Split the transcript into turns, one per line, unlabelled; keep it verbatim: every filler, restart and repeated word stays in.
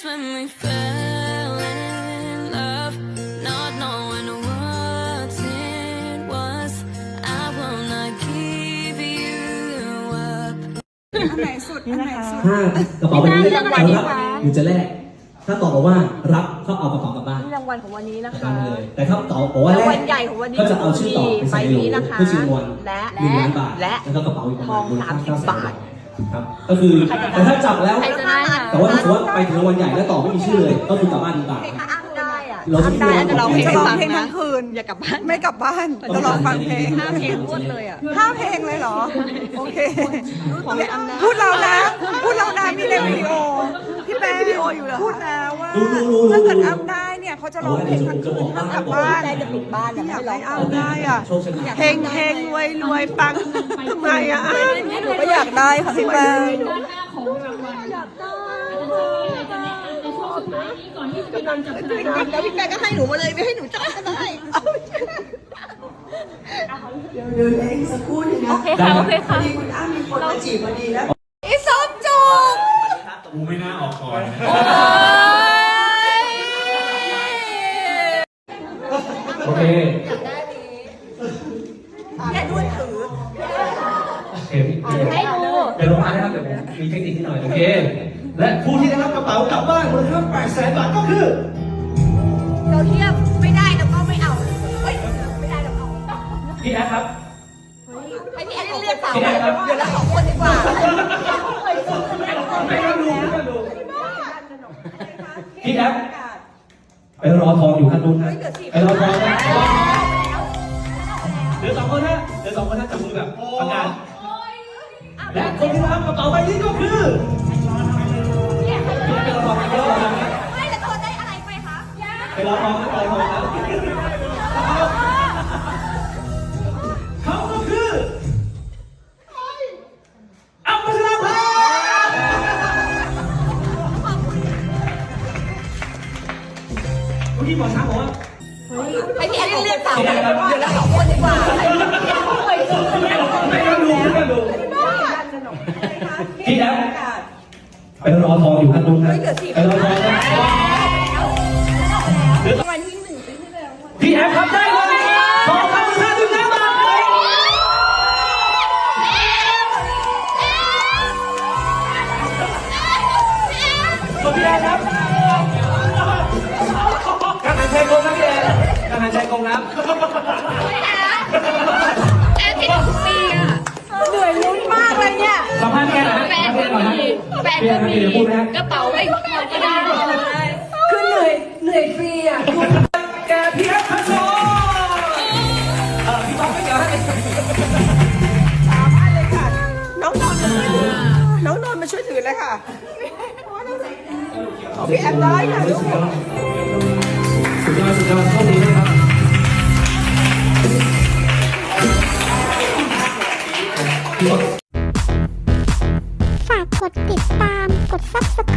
when we fell in love, not knowing what it was. I will not give you up.
อันไหนสุดอันไหนสุด
ถ้ากระเป๋าใบนี้จะรับหรือจะแลกถ้าตอบบอกว่ารับเขาเอากระเป๋ากลับบ้าน
นี่รางวัลของวันนี้นะ
กลับ
คะ
บ้านเลยแต่ถ้าตอบบอกว่าแล
รางวั
ก
ลใหญ่ของวันนี้
ก็จะเอาชื่อต่อไปใส่ในโหลเพื่อชิงรางวัล
และ
หนึ่งล้านบาท
และ
แล้วก็กระเป๋าอีกประ
ท
มา
อ
ณ
ง
มูลค่า
สามสิบ
เก้าแสน
บาท
ครับก็คือแต่ถ้าจับแล้ว
ใครจะได้คะ
แต่ว่าถ้าสมมติว่าไปถึงรางวัลใหญ่แล้วตอบไม่มีชื่อเลยก็คือกลับบ้านดีกว่า
ถ้าอ้างได้อะ
เราจะ
อ้างได้อาจจะร้องเพลง
จะ
ให้
ร้อง
ฟัง
เพลง
นะ
ทั้งคืน
อย่ากลับบ้าน
ไม่กลับบ้านจะลองฟังเพลง
ห้าเพลงรวดเลยอ่ะ
ห้าเพลงเลยเหรอโอเค
ของอ้ำได้
พูดเรานะพูดเรานะมีในวิดีโอพี่แป๊วิดีโออยู่เหรอพูดนะว่าถ้าเกิดอ้ำได้เนี่ยเขาจะร้องเพลงทั้งคืนทั้งกลับบ้าน
ได้จะปิดบ้าน
ที่
เนี่ย
อยา
ไม่
ก
ร้อ
ให้
ง
อ้ำได้อ่ะเพลงเพลงรวยรวยปังทำไมอ่ะอ้ำหนูก็อยากได้ค่ะพี่แป๊ว
ด้านหน้าของรางวัลอยากได้อาจารย์จะมีอะไรจะแนะนำในช่วงสุดท้ายนี้ก่อนที่จะเป็นการจับฉลาก
แล้วพี่แป๊ก็ให้หนูมาเลยไม่ให้หนูจับก็ได้
เดี๋ยวเดี๋ยวเองสักครู่หนึงนะ
โอเคค่ะโอเคค่ะ
พอดีคุณอ้ำมีคนมาจีบพอดีแล้ว
อีส้มจุก
กูไม่น่าออกก่อน
โอเค
แค่ด้วยถือ
โอเคพี่
ให้ดู
เดี๋ยวลงมานะครับเดี๋ยวผมมีเทคนิคนิดหน่อยโอเคและผู้ที่ได้รับกระเป๋ากลับบ้านมูลค่าแปดแสนบาทก็คือ
เราเทียบไม่ได้แล้วก็ไม่เอาเฮ้ยไม่ได้แล้วเอา
พี่แอ๊ครับ
ให้พี่แอนเรียกสาวเดี๋ยวละสองคนดีกว่า
ไม่ต้องดูไม่ต้องดูพี่แอ๊ไปรอทองอยู่ข้างนู้นนะไปรอทองนะเดี๋ยวสองคนนะเดี๋ยวสองคนนะจับมือแบบประกาศและคนที่รับกระเป๋าใบนี้ก็คือพี่แอ๊ไปรอทองไปรอทอง
ไม่แล้วตัวได้อะไรไปคะ
ไปรอทองไปรอทองนะเขาก็คืออัมพัชราภาเมื่อกี้หมอช้างบอกว่า
ให้พี่แอนเรียกสาวเดี๋ยวละสองคนดีกว่า
ไม่ต้องดูไม่ต้องดูพี่แล้วไปรอทองอยู่ข้างนู้นนะไปรอทองนะพี่แอฟครับได้เลยทองคำมูลค่าหนึ่งล้านบาทขอบพี่แอนครับการหายใจกงนะพี่แอนการหายใจกงนะ
แอนที่ทุกปีอ่ะเหนื่อยลุ้นมากเลยเนี่ย
สัมภาษณ์แกหน่อยนะ
แฟน
สัมภาษณ์แกหน่อยนะ
แฟน
พี่แอ
ก็
น
มี
เดี๋ยวพูดนะ
กระเป๋าไม่พอก็ได้
คือเหนื่อยเหนื่อยฟรีอ่ะ
แกพี่แอฟพัชโชเออพี่ป๊อกไม่เกี่ยวให้
สามารถเลยค่ะน้องนนท์มาช่วยถือน้องนนท์มาช่วยถือเลยค่ะของพี่แอมได้ค่ะลูก
สุดยอดสุดยอดโชคดีนะครับ
ฝากกดติดตาม กด ซับสไครบ์